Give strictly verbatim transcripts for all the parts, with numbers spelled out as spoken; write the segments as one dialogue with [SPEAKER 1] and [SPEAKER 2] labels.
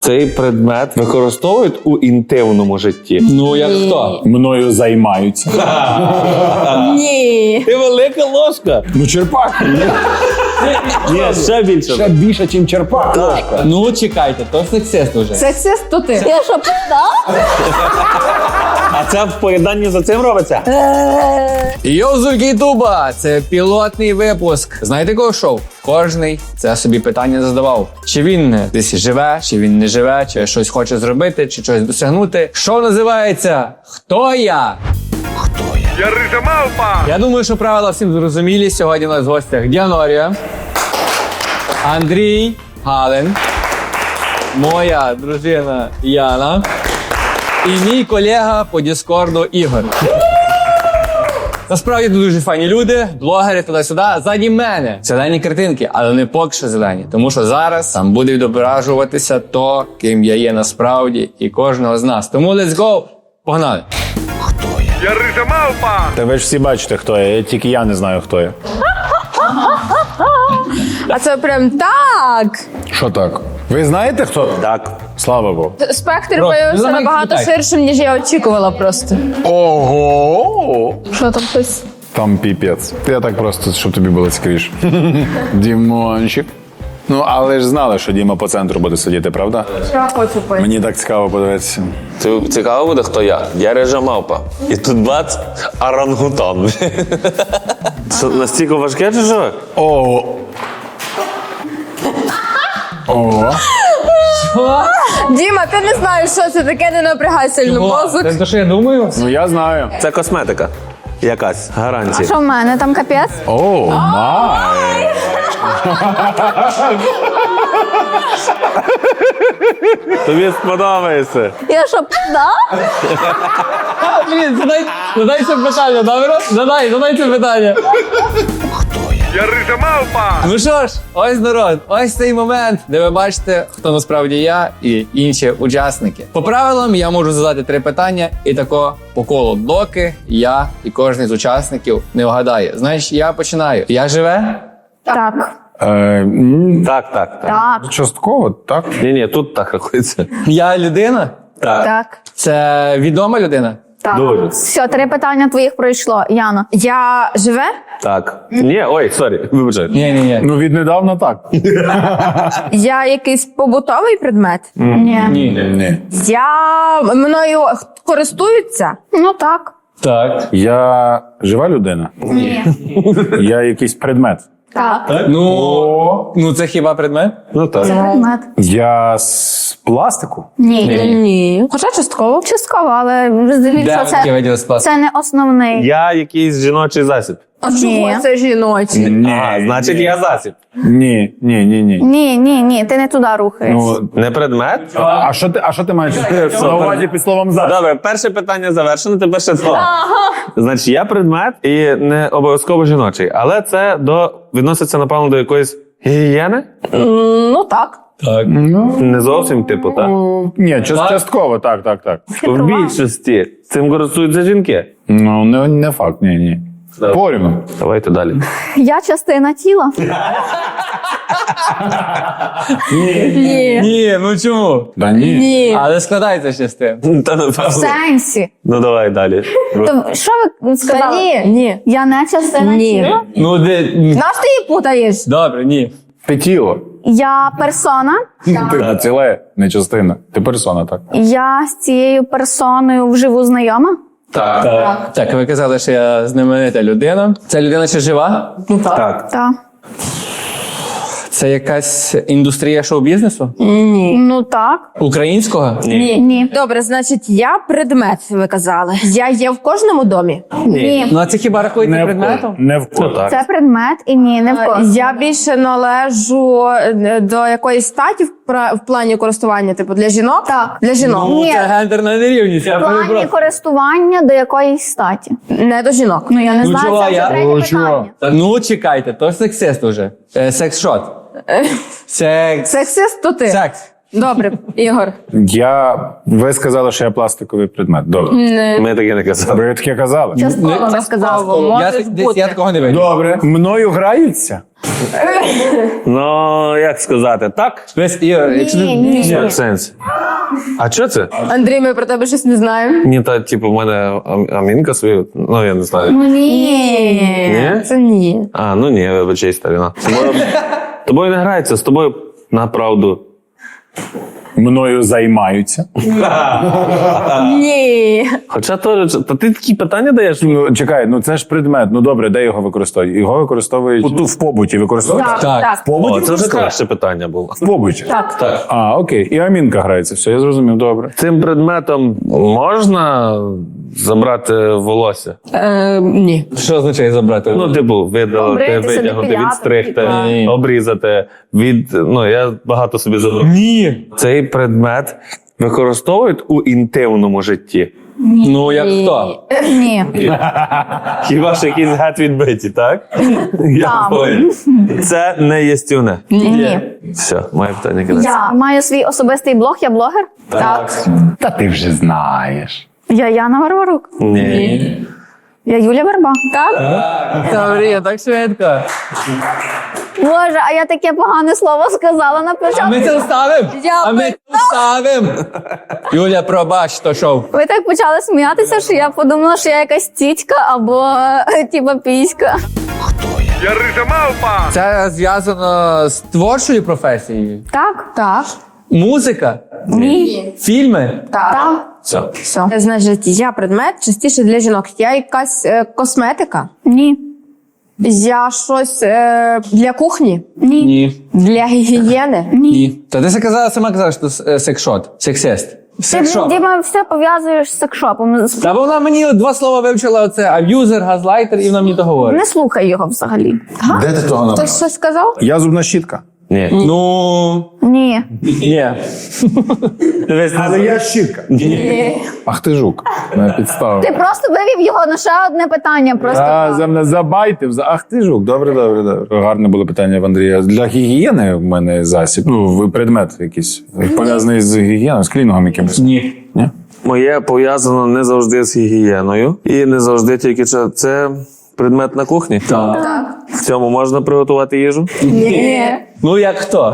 [SPEAKER 1] Цей предмет використовують у інтимному житті.
[SPEAKER 2] Ну, як хто?
[SPEAKER 3] Мною займаються.
[SPEAKER 4] Ні.
[SPEAKER 1] Ти велика ложка.
[SPEAKER 3] Ну, черпак.
[SPEAKER 1] Ні, ще більше.
[SPEAKER 3] Ще більше, ніж черпак. ложка.
[SPEAKER 2] Ну, чекайте, то сексист уже.
[SPEAKER 4] Сексист то ти. Я що, пизда?
[SPEAKER 1] А це в поєднанні за цим робиться?
[SPEAKER 2] Йозульки Ютуба! Це пілотний випуск. Знаєте кого шоу? Кожний це собі питання задавав. Чи він десь живе, чи він не живе, чи щось хоче зробити, чи щось досягнути. Шоу називається «Хто я?».
[SPEAKER 5] Я рижа мавпа!
[SPEAKER 2] Я думаю, що правила всім зрозумілі. Сьогодні у нас в гостях Діанорія, Андрій Галин, моя дружина Яна і мій колега по Діскорду Ігор. Насправді тут дуже файні люди, блогери туди-сюди. Ззаді мене зелені картинки, але не поки що зелені. Тому що зараз там буде відображуватися то, ким я є насправді, і кожного з нас. Тому let's go! Погнали!
[SPEAKER 5] Я рижа мавпа!
[SPEAKER 3] Та ви ж всі бачите, хто я. Тільки я не знаю, хто я.
[SPEAKER 4] А це прям так.
[SPEAKER 3] Що так? Ви знаєте, хто?
[SPEAKER 1] Так.
[SPEAKER 3] Слава Богу.
[SPEAKER 4] Спектр
[SPEAKER 2] Просто,
[SPEAKER 4] виявився
[SPEAKER 2] ну, давай
[SPEAKER 4] набагато
[SPEAKER 2] спитай.
[SPEAKER 4] ширшим, ніж я очікувала просто.
[SPEAKER 3] Ого!
[SPEAKER 4] Що там хтось?
[SPEAKER 3] Там піпець. Я так просто, щоб тобі було цікавіше. Дімончик. Ну, але ж знали, що Діма по центру буде сидіти, правда?
[SPEAKER 4] Я хочу пити.
[SPEAKER 3] Мені так цікаво подивитися.
[SPEAKER 1] Це цікаво буде, хто я? Я рижа мавпа. І тут бац, орангутан. Це настільки важке чи що?
[SPEAKER 3] Ого. Ого.
[SPEAKER 4] Діма, ти не знаєш, що це таке, не напрягай сильно мозок.
[SPEAKER 2] Це те, що я думаю?
[SPEAKER 3] Ну, я знаю.
[SPEAKER 1] Це косметика. Якась, гарантія.
[SPEAKER 4] Що в мене там капець?
[SPEAKER 3] О, май.
[SPEAKER 1] Тобі сподобається.
[SPEAKER 4] Я що, пизда?
[SPEAKER 2] Блін, задай, задай це питання, добре? Задай, задай це питання.
[SPEAKER 5] Я рижа мавпа!
[SPEAKER 2] Ну що ж, ось народ, ось цей момент, де ви бачите, хто насправді я і інші учасники. По правилам я можу задати три питання і тако по колу, доки я і кожен з учасників не вгадає. Знаєш, я починаю. Я живе?
[SPEAKER 4] Так.
[SPEAKER 3] Е, м,
[SPEAKER 1] Так, так, так.
[SPEAKER 4] Так.
[SPEAKER 3] частково, так?
[SPEAKER 1] Ні-ні, тут так рахується.
[SPEAKER 2] Я людина?
[SPEAKER 1] Так.
[SPEAKER 4] Так.
[SPEAKER 2] Це відома людина?
[SPEAKER 4] Так.
[SPEAKER 1] Дуже.
[SPEAKER 4] Все, три питання твоїх пройшло. Яна. Я живе?
[SPEAKER 1] Так. Ні, ой, сорі, вибачай.
[SPEAKER 2] Ні, ні, ні.
[SPEAKER 3] Ну, віднедавна так.
[SPEAKER 4] Я якийсь побутовий предмет? Ні.
[SPEAKER 2] Ні.
[SPEAKER 3] Ні.
[SPEAKER 4] Я мною користуються? Ну так.
[SPEAKER 2] Так.
[SPEAKER 3] Я жива людина?
[SPEAKER 4] Ні.
[SPEAKER 3] Я якийсь предмет?
[SPEAKER 4] Так.
[SPEAKER 2] Ну, ну це хіба предмет?
[SPEAKER 1] Ну так.
[SPEAKER 4] Предмет.
[SPEAKER 3] Я з пластику?
[SPEAKER 4] Ні. Ні. Хоча частково. Частково, але здивіться,
[SPEAKER 2] Де таке
[SPEAKER 4] це,
[SPEAKER 2] виділи сплав?
[SPEAKER 4] це не основний.
[SPEAKER 1] Я якийсь жіночий засіб.
[SPEAKER 4] А чого це жіночі?
[SPEAKER 3] Ні.
[SPEAKER 1] А, значить, я засіб.
[SPEAKER 3] Ні, ні, ні, ні.
[SPEAKER 4] Ні, ні, ні, ти не туди рухаєш.
[SPEAKER 3] Ну,
[SPEAKER 1] Не предмет?
[SPEAKER 3] а що ти, а що ти маєш на увазі під словом «за»?
[SPEAKER 1] Добре, перше питання завершено, тепер ще два. Значить, я предмет і не обов'язково жіночий, але це до відноситься, напевно, до якоїсь гігієни?
[SPEAKER 4] Ну так.
[SPEAKER 2] Так.
[SPEAKER 3] Ну,
[SPEAKER 1] Не зовсім, типу, так?
[SPEAKER 3] ну, ні, част- частково, так, так, так.
[SPEAKER 1] В більшості цим користуються жінки.
[SPEAKER 3] Ну, не, не факт, ні, ні. Порівну.
[SPEAKER 1] Давайте далі.
[SPEAKER 4] Я частина тіла. Ні.
[SPEAKER 2] Ні, ну чому?
[SPEAKER 3] Да ні.
[SPEAKER 4] Ні.
[SPEAKER 2] Але складається ще з тим.
[SPEAKER 1] Та,
[SPEAKER 4] В
[SPEAKER 1] напевно.
[SPEAKER 4] сенсі.
[SPEAKER 1] Ну давай далі.
[SPEAKER 4] То що ви сказали?
[SPEAKER 6] Ні, ні.
[SPEAKER 4] Я не частина
[SPEAKER 6] Ні.
[SPEAKER 4] тіла?
[SPEAKER 2] Ну, де...
[SPEAKER 4] Наш ти її путаєш?
[SPEAKER 2] Добре, ні.
[SPEAKER 3] Ти тіло.
[SPEAKER 4] Я персона.
[SPEAKER 3] Ти ціле, не частина. Ти персона, так.
[SPEAKER 4] Я з цією персоною вживу знайома.
[SPEAKER 2] Так. Так. Так, ви казали, що я знаменита людина. Ця людина ще жива?
[SPEAKER 1] Так.
[SPEAKER 4] Так.
[SPEAKER 2] Це якась індустрія шоу-бізнесу?
[SPEAKER 6] Ні.
[SPEAKER 4] Ну так.
[SPEAKER 2] Українського?
[SPEAKER 6] Ні.
[SPEAKER 4] Ні.
[SPEAKER 6] Добре, значить, я предмет, ви казали. Я є в кожному домі.
[SPEAKER 4] Ні.
[SPEAKER 2] Ну, а це хіба рахується
[SPEAKER 3] Не в
[SPEAKER 2] предметом?
[SPEAKER 3] кого. Не в кого.
[SPEAKER 1] так.
[SPEAKER 4] Це предмет і ні, не в кого.
[SPEAKER 6] Я більше належу е, до якоїсь статі в, пра- в плані користування, типу для жінок?
[SPEAKER 4] Так.
[SPEAKER 6] Для жінок.
[SPEAKER 2] Ну,
[SPEAKER 4] Ні.
[SPEAKER 2] це гендерна нерівність, я
[SPEAKER 4] В плані
[SPEAKER 2] перепрошую.
[SPEAKER 4] користування до якоїсь статі.
[SPEAKER 6] Не до жінок.
[SPEAKER 4] Ну я не
[SPEAKER 2] Ну,
[SPEAKER 4] знаю,
[SPEAKER 2] чого,
[SPEAKER 4] це вже
[SPEAKER 2] я-
[SPEAKER 4] третє
[SPEAKER 3] Ну, чого?
[SPEAKER 4] питання.
[SPEAKER 2] Та ну, чекайте, то сексист уже. Е, секс-шот. Секс.
[SPEAKER 6] Сексист то ти.
[SPEAKER 2] Секс.
[SPEAKER 6] Добре, Ігор.
[SPEAKER 3] Я... Ви сказали, що я пластиковий предмет. Добре.
[SPEAKER 1] Ми таке не казали.
[SPEAKER 3] Ви таке казали?
[SPEAKER 4] Частково би сказав.
[SPEAKER 2] Я,
[SPEAKER 6] Може
[SPEAKER 2] десь
[SPEAKER 6] бути.
[SPEAKER 2] я такого не видів.
[SPEAKER 3] Добре. Мною граються?
[SPEAKER 1] Ну, як сказати, так?
[SPEAKER 2] Весь Ігор, якщо ти-
[SPEAKER 4] Ні, ні.
[SPEAKER 1] В сенсі. А що це?
[SPEAKER 6] Андрій, ми про тебе щось не знаємо.
[SPEAKER 1] Ні, та, типу, в мене ам- амінка свою, ну, я не знаю.
[SPEAKER 4] Ну, ні.
[SPEAKER 1] Ні?
[SPEAKER 6] Це ні.
[SPEAKER 1] А, ну ні, вибачай, старина. З тобою, з тобою не грається, з тобою на правду.
[SPEAKER 3] Мною займаються?
[SPEAKER 6] Ні.
[SPEAKER 1] Хоча теж, та ти такі питання даєш?
[SPEAKER 3] Ну, чекай, ну це ж предмет. Ну добре, де його використовують? Його використовують у- в побуті. Використовують?
[SPEAKER 6] Так,
[SPEAKER 2] Так.
[SPEAKER 6] так.
[SPEAKER 3] В побуті
[SPEAKER 1] О, це вже
[SPEAKER 3] використовують?
[SPEAKER 1] краще питання було.
[SPEAKER 3] В побуті?
[SPEAKER 6] Так.
[SPEAKER 1] Так.
[SPEAKER 3] А, окей. І амінка грається. Все, я зрозумів, добре.
[SPEAKER 1] Цим предметом можна забрати волосся?
[SPEAKER 6] Е, ні.
[SPEAKER 2] Що означає забрати?
[SPEAKER 1] Ну, типу, видалити,
[SPEAKER 4] Обритися,
[SPEAKER 1] витягнути,
[SPEAKER 4] депіляти,
[SPEAKER 1] відстригти,
[SPEAKER 4] типа.
[SPEAKER 2] Ні.
[SPEAKER 1] обрізати, від. Ну, я багато собі забрав.
[SPEAKER 2] Ні.
[SPEAKER 1] Цей предмет використовують у інтимному житті.
[SPEAKER 2] Ну, як хто?
[SPEAKER 4] Ні.
[SPEAKER 1] Хіба ж якісь гет відбиті, так? Я
[SPEAKER 4] Так.
[SPEAKER 1] понял. Це не єстівне.
[SPEAKER 4] Ні.
[SPEAKER 1] Все, моє питання кінець.
[SPEAKER 4] Я маю свій особистий блог, я блогер.
[SPEAKER 6] Так.
[SPEAKER 3] Та ти вже знаєш.
[SPEAKER 4] Я Яна Варварук.
[SPEAKER 1] Ні.
[SPEAKER 4] Я Юля Верба.
[SPEAKER 6] Так?
[SPEAKER 2] Добре, так швидко.
[SPEAKER 4] Боже, а я таке погане слово сказала на
[SPEAKER 2] А
[SPEAKER 4] початку.
[SPEAKER 2] ми це вставимо?
[SPEAKER 4] Я
[SPEAKER 2] А ми це вставимо. Юля, пробач, то шоу.
[SPEAKER 4] Ви так почали сміятися, що я подумала, що я якась тітька або е, типа піська.
[SPEAKER 5] Я рижа мавпа!
[SPEAKER 2] Це зв'язано з творчою професією?
[SPEAKER 4] Так?
[SPEAKER 6] Так.
[SPEAKER 2] Музика?
[SPEAKER 4] Ні.
[SPEAKER 2] Фільми?
[SPEAKER 6] Так.
[SPEAKER 1] Все.
[SPEAKER 4] Все.
[SPEAKER 6] Значить, я предмет частіше для жінок. Я якась е, косметика.
[SPEAKER 4] Ні.
[SPEAKER 6] Я щось е, для кухні.
[SPEAKER 4] Ні.
[SPEAKER 2] Ні.
[SPEAKER 6] Для гігієни.
[SPEAKER 2] Ні. Та ти сказала, сама казала, що це секшот. Сексист.
[SPEAKER 4] Ти,
[SPEAKER 2] Секшоп.
[SPEAKER 4] Діма, все пов'язуєш з секшопом.
[SPEAKER 2] Та вона мені два слова вивчила: оце аб'юзер, газлайтер, і вона мені то говорить.
[SPEAKER 4] Не слухай його взагалі.
[SPEAKER 3] Де ти того набрав?
[SPEAKER 6] Хтось щось сказав?
[SPEAKER 3] Я зубна щітка.
[SPEAKER 1] Ні.
[SPEAKER 2] Ну,
[SPEAKER 4] Ні.
[SPEAKER 2] ні. Дивись,
[SPEAKER 3] Але я щітка. Ах ти жук. На підставу.
[SPEAKER 4] Ти просто вивів його на ще одне питання. Просто
[SPEAKER 3] А, за мене забайтив. за- Ах ти жук. Добре, добре, добре. Гарне було питання в Андрія. Для гігієни в мене засіб. Ну, ви- предмет якийсь. Пов'язаний з гігієною, з клінінгом якимось.
[SPEAKER 2] Ні.
[SPEAKER 3] Ні?
[SPEAKER 1] Моє пов'язано не завжди з гігієною. І не завжди тільки це- це предмет на кухні.
[SPEAKER 2] Так.
[SPEAKER 1] В цьому можна приготувати їжу?
[SPEAKER 6] Ні.
[SPEAKER 2] Ну, як хто?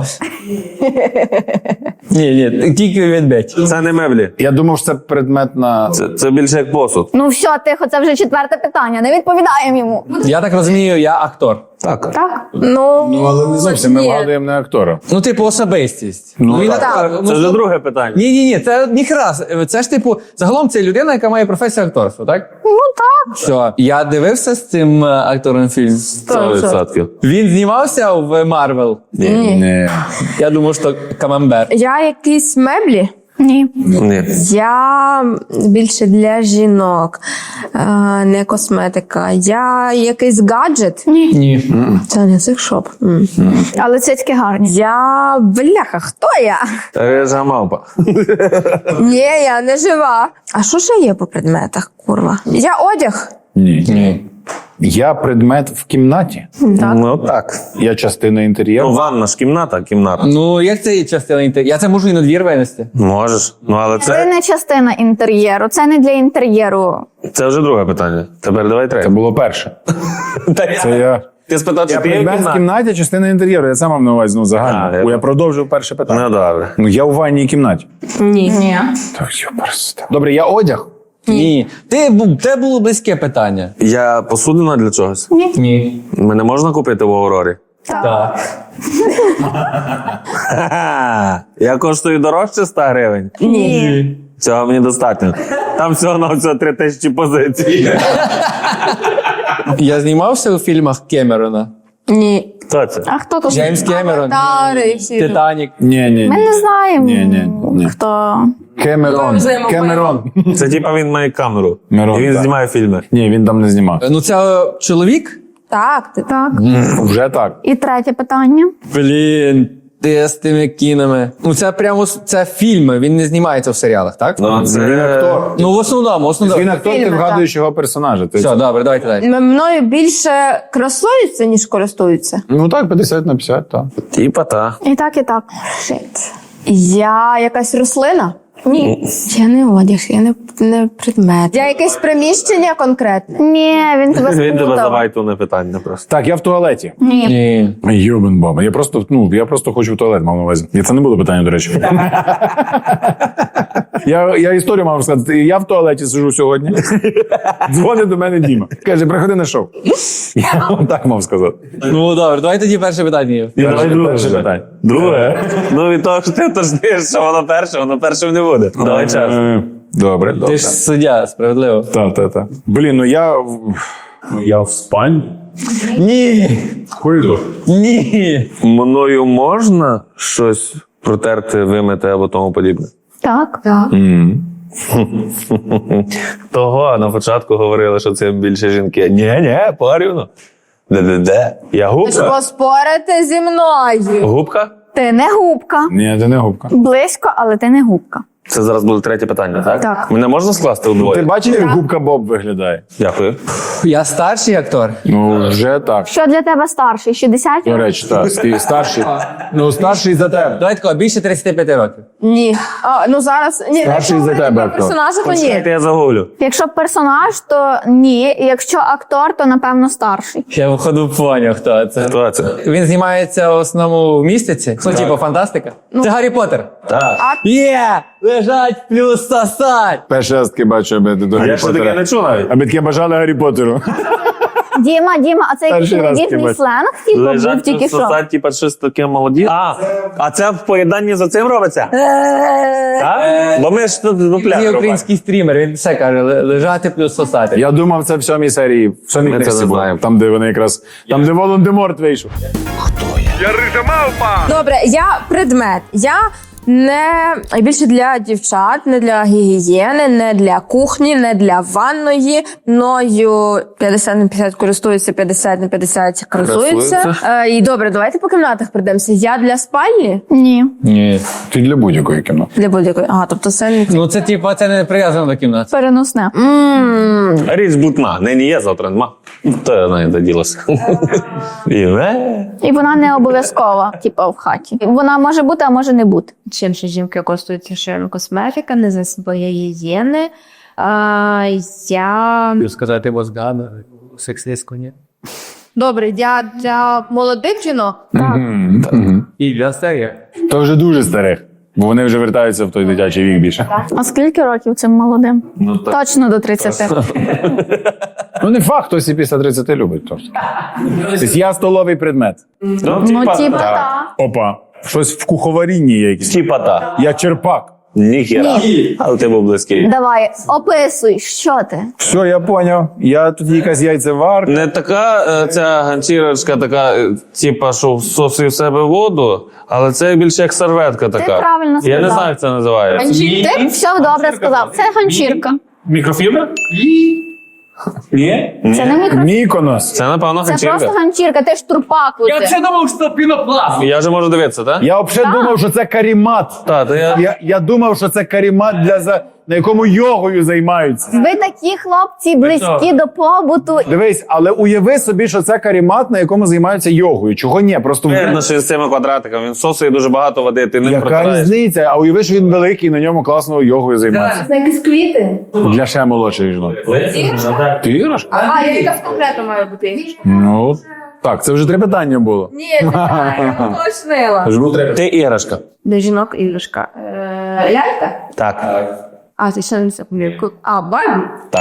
[SPEAKER 2] Ні, ні, тільки відбить.
[SPEAKER 1] Це не меблі.
[SPEAKER 3] Я думав, що це предмет на...
[SPEAKER 1] Це, це більше як посуд.
[SPEAKER 4] ну все, тихо, це вже четверте питання. Не відповідаємо йому.
[SPEAKER 2] Я так розумію, я актор.
[SPEAKER 1] Так.
[SPEAKER 4] Так?
[SPEAKER 6] Ну,
[SPEAKER 3] Ну, але не зовсім. Ми
[SPEAKER 6] ні.
[SPEAKER 3] вгадуємо не актора.
[SPEAKER 2] Ну, типу, особистість.
[SPEAKER 3] Ну,
[SPEAKER 2] він
[SPEAKER 3] так.
[SPEAKER 2] актор. Ну,
[SPEAKER 1] Це вже друге питання.
[SPEAKER 2] Ні, ні, ні, це ніхраз. Це ж типу, загалом це людина, яка має професію акторства, так?
[SPEAKER 4] Ну так.
[SPEAKER 2] Все. Я дивився з цим е, актором фільм.
[SPEAKER 1] Сто відсотків.
[SPEAKER 2] Він знімався в Марвел.
[SPEAKER 1] Ні.
[SPEAKER 3] Ні.
[SPEAKER 2] Я думав, що камамбер.
[SPEAKER 6] я якісь меблі.
[SPEAKER 4] Ні.
[SPEAKER 1] Ні.
[SPEAKER 6] Я більше для жінок, е, не косметика. Я якийсь гаджет.
[SPEAKER 4] Ні.
[SPEAKER 2] Ні.
[SPEAKER 6] Це не секшоп. М.
[SPEAKER 4] Але цицьки гарні.
[SPEAKER 6] Я бляха, хто я?
[SPEAKER 1] Рижа мавпа.
[SPEAKER 6] Ні, я не жива. А що ще є по предметах, курва? Я одяг.
[SPEAKER 3] Ні.
[SPEAKER 2] Ні.
[SPEAKER 3] Я предмет в кімнаті.
[SPEAKER 1] Ну так.
[SPEAKER 3] Я частина
[SPEAKER 1] Ну,
[SPEAKER 3] інтер'єру.
[SPEAKER 1] ванна ж кімната, кімната.
[SPEAKER 2] Ну, як це є частина інтер'єру? Я це можу і на двір винести.
[SPEAKER 1] Можеш. Ну, але
[SPEAKER 4] Це
[SPEAKER 1] це,
[SPEAKER 4] не частина інтер'єру, це не для інтер'єру.
[SPEAKER 1] це вже друге питання. Тепер давай
[SPEAKER 3] Це
[SPEAKER 1] третє.
[SPEAKER 3] було перше. Це я...
[SPEAKER 1] Ти спитав,
[SPEAKER 3] Я
[SPEAKER 1] чи ти є в
[SPEAKER 3] предмет в
[SPEAKER 1] кімнаті?
[SPEAKER 3] кімнаті, частина інтер'єру. Я сам мав на увазі, ну,
[SPEAKER 1] А,
[SPEAKER 3] загально.
[SPEAKER 1] я-
[SPEAKER 3] Бо я продовжив перше питання.
[SPEAKER 1] Ну, добре.
[SPEAKER 3] Ну, я у ванній кімнаті.
[SPEAKER 6] Ні.
[SPEAKER 4] Ні.
[SPEAKER 3] Так, що просто. Добре, я одяг.
[SPEAKER 2] Ні. Ти, бу- те було близьке питання.
[SPEAKER 1] Я посудина для чогось?
[SPEAKER 2] Ні.
[SPEAKER 1] Мене можна купити в Аврорі?
[SPEAKER 2] Так.
[SPEAKER 1] Ха-ха. Я коштую дорожче ста гривень?
[SPEAKER 2] Ні.
[SPEAKER 1] Цього мені достатньо. Там всього на всього три тисячі позицій.
[SPEAKER 2] Я знімався у фільмах Кемерона.
[SPEAKER 6] Ні.
[SPEAKER 1] Хто це?
[SPEAKER 4] А хто тут?
[SPEAKER 2] Джеймс Кемерон.
[SPEAKER 6] Тари і всі.
[SPEAKER 2] Титанік.
[SPEAKER 3] Ні, ні.
[SPEAKER 4] Ми не знаємо.
[SPEAKER 3] Ні, ні, ні.
[SPEAKER 4] Хто.
[SPEAKER 3] Кемерон. Кемерон.
[SPEAKER 1] Це типа він має камеру.
[SPEAKER 3] Мирон,
[SPEAKER 1] І він
[SPEAKER 3] так.
[SPEAKER 1] знімає фільми.
[SPEAKER 3] Ні, він там не знімав.
[SPEAKER 2] Ну, це чоловік?
[SPEAKER 6] Так, ти
[SPEAKER 4] Так.
[SPEAKER 3] Вже так.
[SPEAKER 4] І третє питання.
[SPEAKER 2] Блін, ти з тими кінами. Ну, це прямо с- це фільми, він не знімається в серіалах, так?
[SPEAKER 1] Ну, це...
[SPEAKER 3] Він актор.
[SPEAKER 2] Ну, в основному, в основному.
[SPEAKER 3] Він актор, ти
[SPEAKER 6] Фільми,
[SPEAKER 3] вгадуєш його персонажа. Ти-
[SPEAKER 2] Все, добре, давайте далі.
[SPEAKER 6] М- мною більше красуються, ніж користуються.
[SPEAKER 3] Ну так, п'ятдесят на п'ятдесят, так.
[SPEAKER 1] Типа та.
[SPEAKER 4] І так, і так. Шит.
[SPEAKER 6] Я якась рослина?
[SPEAKER 4] Ні.
[SPEAKER 6] Я не одяг, я не, не предмет. Я якесь приміщення конкретне.
[SPEAKER 4] Ні, він тебе
[SPEAKER 1] Він тебе
[SPEAKER 4] сплутав.
[SPEAKER 1] завайтуне питання просто.
[SPEAKER 3] Так, я в туалеті.
[SPEAKER 4] Ні.
[SPEAKER 2] Ні.
[SPEAKER 3] Йобен баба. Я просто, ну, я просто хочу в туалет, мав на увазі. І це не було питання, до речі. я, я історію мав сказати. Я в туалеті сижу сьогодні. Дзвонить до мене Діма. Каже, приходи на шоу. Я вам так мав сказати.
[SPEAKER 2] Ну добре, давай тоді перше питання.
[SPEAKER 1] Давай друге
[SPEAKER 3] перше
[SPEAKER 1] вже.
[SPEAKER 3] питання.
[SPEAKER 1] Друге? Ну від того, що ти уточниш, що воно перше, воно першим не буде. Давай час.
[SPEAKER 3] Е, Добре, добре.
[SPEAKER 2] Ти ж суддя, справедливо.
[SPEAKER 3] Так, так, так. Блін, ну я. в- Я в спальні.
[SPEAKER 2] Ні.
[SPEAKER 3] Коридор.
[SPEAKER 2] Ні.
[SPEAKER 1] Мною можна щось протерти, вимити або тому подібне?
[SPEAKER 4] Так.
[SPEAKER 1] Того на початку говорили, що це більше жінки. Ні, ні, порівну. Де-де-де? Я губка?
[SPEAKER 6] Поспорити зі мною.
[SPEAKER 1] Губка?
[SPEAKER 4] Ти не губка.
[SPEAKER 3] Ні, це не губка.
[SPEAKER 4] Близько, але ти не губка.
[SPEAKER 1] Це зараз буде третє питання, так?
[SPEAKER 4] Так.
[SPEAKER 1] Мене можна скласти
[SPEAKER 3] Ти
[SPEAKER 1] удвоє?
[SPEAKER 3] бачив, як губка Боб виглядає?
[SPEAKER 1] Дякую.
[SPEAKER 2] Я старший актор.
[SPEAKER 3] Ну, вже так.
[SPEAKER 4] Що для тебе старший? шістдесят?
[SPEAKER 3] До речі, так. Ти старший. Ну, старший за тебе.
[SPEAKER 2] Давай такого, більше тридцяти п'яти років.
[SPEAKER 6] Ні. А, ну зараз. Ні,
[SPEAKER 3] Старший за тебе актор.
[SPEAKER 6] персонажа, то ні.
[SPEAKER 1] Чекайте, я загуглю.
[SPEAKER 4] Якщо персонаж, то ні. Якщо актор, то напевно старший.
[SPEAKER 2] Я виходу поняв, хто це.
[SPEAKER 1] Хто це?
[SPEAKER 2] Він знімається в основному в містиці. Ну, типу, фантастика. Це Гаррі Поттер.
[SPEAKER 1] Так.
[SPEAKER 2] Є! Лежать плюс сосать!
[SPEAKER 3] Перший раз таки бачу, аби ти до Гаррі
[SPEAKER 1] Я ще таке
[SPEAKER 3] Поттера.
[SPEAKER 1] не чув навіть.
[SPEAKER 3] Аби таке бажали Гаррі Поттеру.
[SPEAKER 4] Діма, Діма, а це якийсь
[SPEAKER 3] Перший раз
[SPEAKER 4] молодіжний
[SPEAKER 3] таки
[SPEAKER 4] сленг? Типу, був
[SPEAKER 1] Лежать
[SPEAKER 4] тільки
[SPEAKER 1] тут
[SPEAKER 4] що.
[SPEAKER 1] сосать, типа щось таке молоді. А, а це в поєднанні за цим робиться? Так? Бо ми ж тут
[SPEAKER 2] Він
[SPEAKER 1] дупля
[SPEAKER 2] є
[SPEAKER 1] робимо.
[SPEAKER 2] український стрімер, він все каже, «Ле- лежати плюс сосати.
[SPEAKER 3] Я думав, це в сьомій серії, в сьомій
[SPEAKER 1] Ми це
[SPEAKER 3] книжці
[SPEAKER 1] не
[SPEAKER 3] було.
[SPEAKER 1] знаємо.
[SPEAKER 3] Там, де вони якраз, там, де Волан-де-Морт вийшов.
[SPEAKER 5] Я рижа мавпа!
[SPEAKER 6] Добре, я предмет. Я не більше для дівчат, не для гігієни, не для кухні, не для ванної. Мною п'ятдесят на п'ятдесят користуються, п'ятдесят на п'ятдесят красуються.
[SPEAKER 1] Красуються.
[SPEAKER 6] Е, і добре, давайте по кімнатах прийдемося. Я для спальні?
[SPEAKER 4] Ні.
[SPEAKER 2] Ні.
[SPEAKER 3] Ти для будь-якої кіно.
[SPEAKER 6] Для будь-якої. Ага, тобто це не...
[SPEAKER 2] Ну це типу, це не прив'язано до кімнати.
[SPEAKER 4] Переносне.
[SPEAKER 6] Ммм.
[SPEAKER 1] Річ блутна. Нині є, завтра нема. То я знаю, де ділося. І е.
[SPEAKER 4] І вона не обов'язкова, типу, в хаті. Вона може бути, а може не бути.
[SPEAKER 7] Чим ще жінки користуються широм косметика, не засоби гігієни. А, я
[SPEAKER 2] Хотів сказати мозгана, сексистську, ні.
[SPEAKER 6] Добре, я для молодих жінок.
[SPEAKER 2] І для старих.
[SPEAKER 3] То вже дуже старих. Бо вони вже вертаються в той дитячий вік більше.
[SPEAKER 4] А скільки років цим молодим?
[SPEAKER 1] Ну, так.
[SPEAKER 4] Точно до тридцяти.
[SPEAKER 3] Ну не факт, хтось і після тридцяти любить. Тобто. Тобто я столовий предмет.
[SPEAKER 1] Ну,
[SPEAKER 4] Ну,
[SPEAKER 1] типа,
[SPEAKER 4] типа,
[SPEAKER 1] так.
[SPEAKER 4] так.
[SPEAKER 3] Опа. Щось в куховарінні є якесь.
[SPEAKER 1] Типа та.
[SPEAKER 3] Я черпак.
[SPEAKER 1] Ніхіра. Але ти був близький.
[SPEAKER 4] Давай, описуй, що ти?
[SPEAKER 3] Все, я поняв. Я тут якась яйцеварка.
[SPEAKER 1] Не така е, ця ганчірочка, така, е, типа, що всосує в себе воду, але це більше як серветка така.
[SPEAKER 4] правильно
[SPEAKER 1] Я не
[SPEAKER 4] сказав.
[SPEAKER 1] знаю, як це називається.
[SPEAKER 4] Ти все добре сказав. Це ганчірка.
[SPEAKER 1] Мікрофібра? Ні?
[SPEAKER 4] Це не мікро.
[SPEAKER 3] Міконос.
[SPEAKER 1] Це, напевно,
[SPEAKER 4] Це
[SPEAKER 1] ганчірка.
[SPEAKER 4] просто ганчірка, ти ж турпак. оце.
[SPEAKER 2] думав, що пінопласт.
[SPEAKER 1] Я вже можу дивитися, так?
[SPEAKER 3] Я взагалі думав, що це карімат.
[SPEAKER 1] Так, то я...
[SPEAKER 3] Я, я думав, що це карімат, для за... на якому йогою займаються.
[SPEAKER 4] Ви такі хлопці близькі до побуту.
[SPEAKER 3] Дивись, але уяви собі, що це карімат, на якому займаються йогою. Чого ні? Просто
[SPEAKER 1] Видно, що він з цими квадратиками, він всосує дуже багато води, ти ним
[SPEAKER 3] яка
[SPEAKER 1] протираєш.
[SPEAKER 3] різниця? А уяви, що він великий, на ньому класно йогою займається.
[SPEAKER 6] Це якісь квіти.
[SPEAKER 3] Для ще молодших жінок. Ти іграш?
[SPEAKER 6] А, я якась конкретно маю бути.
[SPEAKER 3] Ну, так, це вже три питання було.
[SPEAKER 6] Ні, я уточнила.
[SPEAKER 3] Це ж було три.
[SPEAKER 1] Ти іграшка.
[SPEAKER 7] для жінок іграшка.
[SPEAKER 6] Е, Лялька?
[SPEAKER 1] Так.
[SPEAKER 7] А, ти ще не запам'ятав. А, Барбі?
[SPEAKER 1] Так.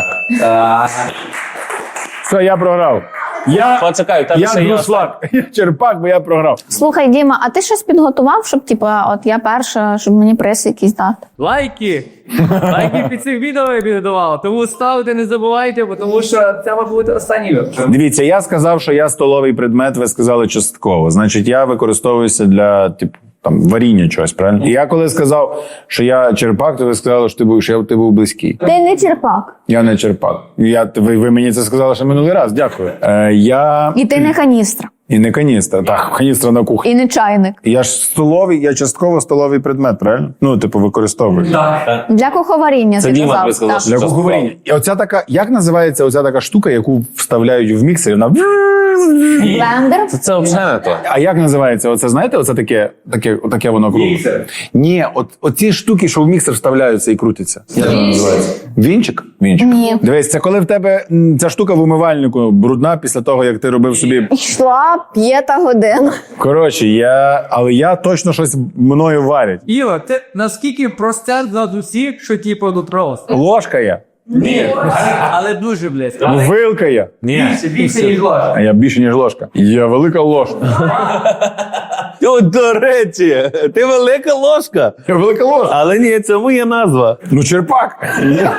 [SPEAKER 3] Все, я програв. Я,
[SPEAKER 1] Почекай, у тебе
[SPEAKER 3] я
[SPEAKER 1] ще є
[SPEAKER 3] друшлак. Я черпак, бо я програв.
[SPEAKER 4] Слухай, Діма, а ти щось підготував, щоб типа, от я перша, щоб мені приз якийсь дати?
[SPEAKER 2] Лайки! Лайки під цим відео я підготував. Тому ставте, не забувайте, бо тому що це має бути останній випуск.
[SPEAKER 3] Дивіться, я сказав, що я столовий предмет, ви сказали частково. Значить, я використовуюся для, типу, там, варіння чогось, правильно? І я коли сказав, що я черпак, то ви сказали, що ти був, що я, ти був близький.
[SPEAKER 4] Ти не черпак.
[SPEAKER 3] Я не черпак. Я, ви, ви мені це сказали ще минулий раз, дякую. Е, я...
[SPEAKER 4] І ти не каністра.
[SPEAKER 3] І не каністра. Так, каністра на кухні.
[SPEAKER 4] І не чайник.
[SPEAKER 3] Я ж столовий, я частково столовий предмет, правильно? Ну, типу, використовую.
[SPEAKER 4] Для куховаріння,
[SPEAKER 1] Це
[SPEAKER 4] ти
[SPEAKER 1] Діма тобі
[SPEAKER 4] казав.
[SPEAKER 1] сказав,
[SPEAKER 4] Так.
[SPEAKER 1] що
[SPEAKER 3] Для
[SPEAKER 1] частково.
[SPEAKER 3] куховаріння. І оця така, як називається оця така штука, яку вставляють в міксер? Вона...
[SPEAKER 4] Блендер.
[SPEAKER 1] Це, це взагалі не то.
[SPEAKER 3] А як називається? Оце, знаєте, оце таке, таке, таке воно кругле? Міксер. Ні, от, оці штуки, що в міксер вставляються і крутяться. Як воно називається? Вінчик? Вінчик.
[SPEAKER 4] Ні.
[SPEAKER 3] Дивись, це коли в тебе м, ця штука в умивальнику брудна після того, як ти робив собі.
[SPEAKER 4] Йшла п'ята година.
[SPEAKER 3] Коротше, я, але я точно щось мною варять.
[SPEAKER 8] Іва, ти наскільки процент над усіх, що типу тут рост?
[SPEAKER 3] Ложка є.
[SPEAKER 8] Але дуже близько.
[SPEAKER 3] Вилка є.
[SPEAKER 1] Ні.
[SPEAKER 8] Більше ніж ложка.
[SPEAKER 3] А я більше, ніж ложка. Я велика ложка.
[SPEAKER 1] О, до речі, ти велика ложка.
[SPEAKER 3] Я велика ложка.
[SPEAKER 1] Але ні, цьому є назва.
[SPEAKER 3] Ну, черпак.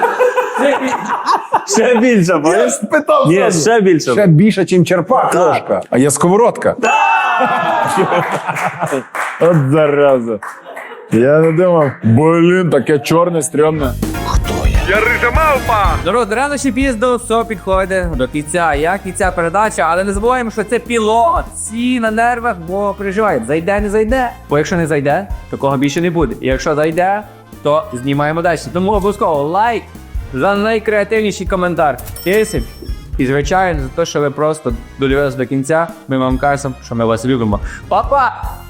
[SPEAKER 1] Ще більше,
[SPEAKER 3] Я
[SPEAKER 1] бачиш?
[SPEAKER 3] ж питав.
[SPEAKER 1] Ні,
[SPEAKER 3] зразу.
[SPEAKER 1] ще більше.
[SPEAKER 3] Ще більше, ніж черпак ложка. А я сковородка. От зараза. Я не думав. Блін, таке чорне, стрьомне.
[SPEAKER 5] Я рижа мавпа.
[SPEAKER 8] Народ, рано чи пізно все підходить до кінця. Як і ця передача, але не забуваємо, що це пілот. Всі на нервах, бо переживають. Зайде, не зайде. Бо якщо не зайде, такого більше не буде. І якщо зайде, то знімаємо далі. Тому обов'язково лайк за найкреативніший коментар. Тисяч. І звичайно, за те, що ви просто додивилися до кінця, ми вам кажемо, що ми вас любимо. Па-па!